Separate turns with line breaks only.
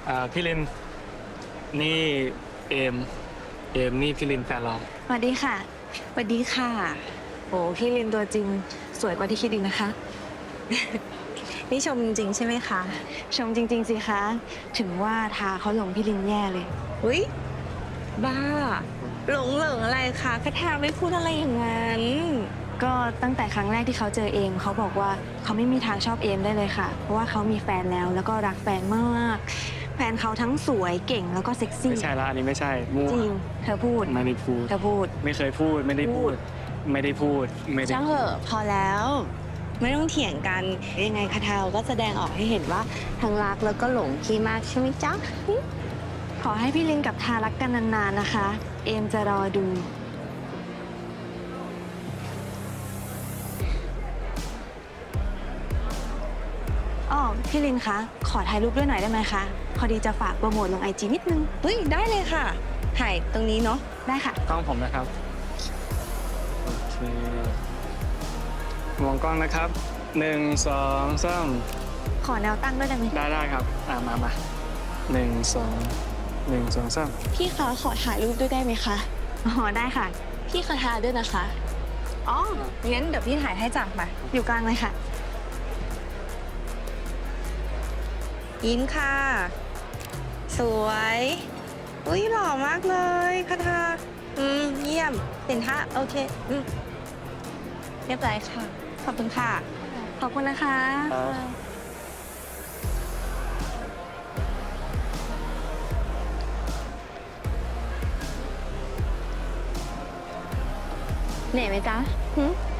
พี่ลินนี่เอมนี่พี่ลินแฟนเรา
สวัสดีค่ะ
สวัสดีค่ะโอ้พี่ลินตัวจริงสวยกว่าที่คิดอีกนะคะ นี่ชมจริงใช่ไหมคะ
ชมจริงๆสิคะ ถึงว่าทาเขาหลงพี่ลินแย่เลย
อุ้ยบ้า หลงอะไรคะคาทาไม่พูดอะไรอย่างนั้น
ก็ตั้งแต่ครั้งแรกที่เขาเจอเอมเขาบอกว่าเขาไม่มีทางชอบเอมได้เลยค่ะ เพราะว่าเขามีแฟนแล้วก็รักแฟนมาก แฟนเขาทั้งสวยเก่งแล้วก็เซ็กซี่
ไม่ใช่ละอันนี้ไม่ใช่มั่ว
จริง เธอพูด
ไม่ได้พูด
เธอพูด
ไม่เคยพูดไม่ได้พูด ไม่ได้พูดไม่ได้
ช่างเหอะพอแล้ว ไม่ต้องเถียงกันยังไงคาทาก็แสดงออกให้เห็นว่าทั้งรักแล้วก็หลงพี่มากใช่ไหมจ๊ะ
ขอให้พี่ลินกับทารักกันนานๆนะคะ เอมจะรอดู อ๋อ พี่ลินคะ ขอถ่ายรูปด้วยหน่อยได้ไหมคะ พอดีจะฝากโปรโมทลงIGนิดนึง
เฮ้ยได้เลยค่ะถ่ายตรงนี้เนาะ
ได้ค่ะ
กล้องผมนะครับโอเคมองกล้องนะครับ1 2 3
ขอแนวตั้งด้วยได้ไหม
ได้ครับมา1 2 3
พี่คะขอถ่ายรูปด้วยได้ไหมคะ
อ๋อ ได้ค่ะ
พี่คาทาด้วยนะคะอ๋องั้นเดี๋ยวพี่ถ่ายให้จ้ะมา
อยู่กลางเลยค่ะ
ยิ้มค่ะ สวยอุ้ยหล่อมากเลยคาทาเยี่ยมเห็นท่าโอเคเรียบร้อยค่ะขอบคุณค่ะ
ขอบคุณนะคะ
เหนื่อยไหมจ๊ะ